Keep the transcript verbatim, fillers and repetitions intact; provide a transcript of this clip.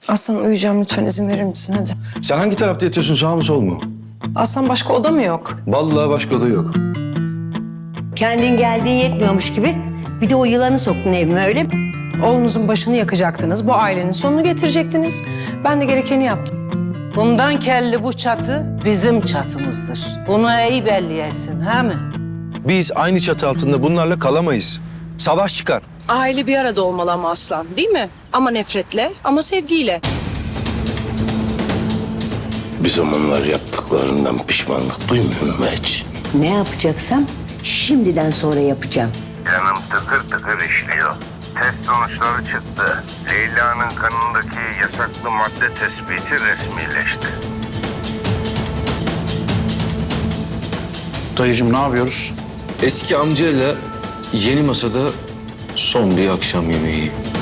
Aslan uyuyacağım, lütfen izin verir misin hadi. Sen hangi tarafta yatıyorsun, sağ mı sol mu? Aslan başka oda mı yok? Vallahi başka oda yok. Kendin geldiğin yetmiyormuş gibi bir de o yılanı soktun evime, öyle mi? Oğlunuzun başını yakacaktınız, bu ailenin sonunu getirecektiniz. Ben de gerekeni yaptım. Bundan kelli bu çatı bizim çatımızdır. Bunu iyi belliyesin, ha mi? Biz aynı çatı altında bunlarla kalamayız. Savaş çıkar. Aile bir arada olmalı ama Aslan, değil mi? Ama nefretle, ama sevgiyle. Bir zamanlar yaptıklarından pişmanlık duymuyor mu hiç? Ne yapacaksam şimdiden sonra yapacağım. Canım tıkır tıkır işliyor. Test sonuçları çıktı. Leyla'nın kanındaki yasaklı madde tespiti resmileşti. Dayıcığım ne yapıyoruz? Eski amcayla yeni masada son bir akşam yemeği.